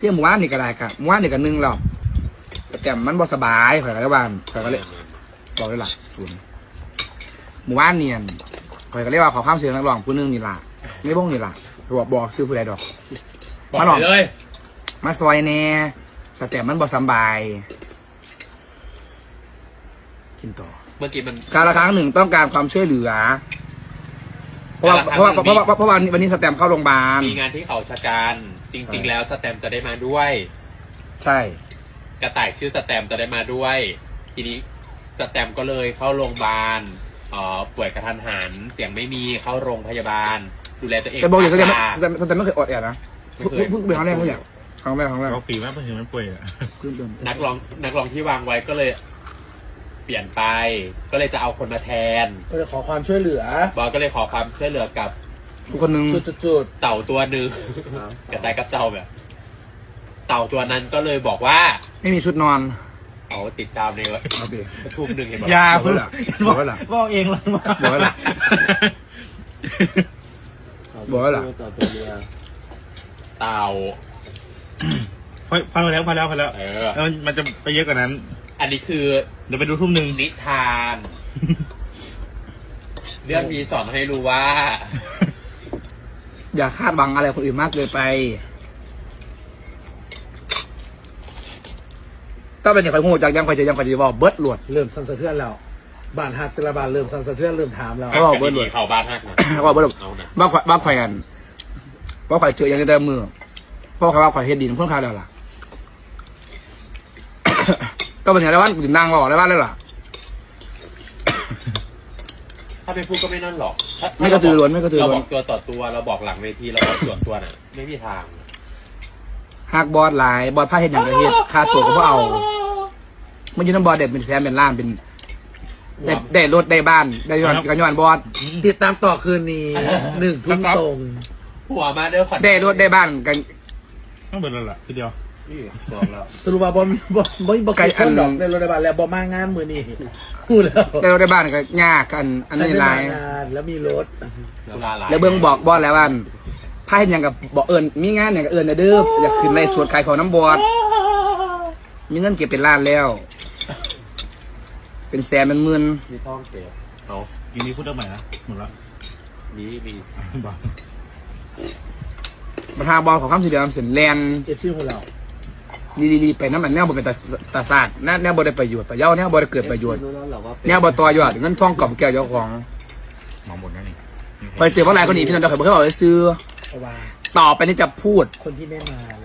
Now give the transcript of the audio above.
เที่ยงหมู่บ้านนี่ก็ได้ครับหมู่บ้านนี่ก็นึ่งแล้วแต่มันบ่สบายข่อยก็เลยว่าข่อยก็เลยบอกเลยล่ะศูนย์หมู่บ้านเนียนข่อยก็เรียกว่าขอข้ามเสียงนักร้องผู้นึงนี่ล่ะไม่บ้งนี่ล่ะบอกซื้อผู้ใดดอกบอกมาหน่อยเลยมาซอยแน่สเต็ปมันบ่สบายกินต่อเมื่อกี้มันการละครั้งหนึ่งต้องการความช่วยเหลือเพราะว่าวันนี้สแตมเข้าโรงพยาบาลมีงานที่เขาชะกันจริง ๆ แล้วสแตมจะได้มาด้วยใช่กระต่ายชื่อสแตมจะได้มาด้วย ทีนี้สแตมก็เลยเข้าโรงพยาบาลป่วยกระทันหันเสียงไม่มีเข้าโรงพยาบาล ดูแลตัวเองแต่บอกอย่างก็ค่ะสแตมไม่เคยอดแอดนะเพิ่งเป็นครั้งแรกไม่อยากครั้งแรกเราปีมากเพื่อนมันป่วยอ่ะนักร้องที่วางไว้ก็เลย เปลี่ยนไป ก็เลยจะเอาคนมาแทนก็จะขอความช่วยเหลือบอสก็เลยขอความช่วยเหลือกับทุกคนนึงจุดเต่าตัวหนึ่งกระต่ายกับเต่าแบบ เต่าตัวนั้นก็เลยบอกว่าไม่มีชุดนอนเอาติดตามในโอเคทุ่มหนึ่งเห็นไหมยาบอกเพื่อนบอกว่าล่ะบอกเองเลยมาบอกว่าล่ะๆบอกว่าล่ะต่อตัวเมียเต่าพอแล้วเออแล้วมันจะไปเยอะกว่านั้นอันนี้คือเดี๋ยวไปดูทุ่มหนึ่งนิทาน เรื่องนี้สอนให้รู้ว่าอย่าคาดหวังอะไรคนอื่นมากเกินไปถ้าเป็นอย่างไรคงจากยังไปจะว่าเบิร์ดหลวดเริ่มสั่นสะเทือนแล้วบ้านหักแต่ละบ้านเริ่มสั่นสะเทือนเริ่มถามแล้วเขาบอกเบิร์ดหลวดเข้าบ้านฮักนะว่าเบิร์ดหลวดเอานะว่าข่อยกันว่าข่อยเจออย่างในแต่มือเพราะข่อยเฮ็ดดินเพิ่งคาแล้วล่ะ ก็เป็นอย่างไรว่าถึงนางบอกอะไรบ้างแล้วล่ะถ้าไปพูดก็ไม่นั่นหรอกถ้าไม่กระตือรือร้นไม่กระตือเรารือบร้อน กตัวต่อตัวเราบอกหลังเวทีเราบอกส่วนตัวน่ะ ไม่มีทางหักบอสหลายบอสผ้าเฮ็ดอย่างไรเฮ็ดค่าตัวก็บ่เอามันยืนน้ำบอสเด็ดเป็นแซมเป็นล้านเป็นได้รถได้บ้านได้ย้อนบอสติดตามต่อคืนนี้1 ทุ่มตรงหัวมาเด้อขวัญได้รถได้บ้านกันต้องเบิดแล้วล่ะทีเดียวบอกแล้วสรุปว่าบ่ไกลคนดอกในรถในบ้านแล้วบ่มางานมือนี้พูดแล้วได้รถได้บ้านก็ยากกันอันนี้หลายใครไม่มางานแล้วมีรถสุราหลายแล้วเบิ่งบอกบอสแล้วว่าผ้าเฮ็ดอย่างกับบอกเอิญมีงานอย่างกับเอิญนะเด้ออยากขึ้นในสวนขายของน้ำบอสมีเงินเก็บเป็นล้านแล้ว เป็นแสนเป็นหมื่นมีท่องเก็บเอายินดีพูดเรื่องใหม่นะหมดละมีบอกประธานบอลของข้ามสีเหลืองเส้นแลน FC ของเราดีไปน้ำมันแนวบ่เป็นตาศาสตร์แนวบ่ได้ประโยชน์ประเย้าแนวบ่ได้เกิดประโยชน์แนวบ่ต่อยอดเงินทองกล่อมแก้วเจ้าของหมอหมดแล้วนี่ไปเจอว่าอะไรคนนี้ที่นั่นเราเคยบอกให้เราซื้อเพราะว่าต่อไปนี้จะพูดคนที่ไม่มา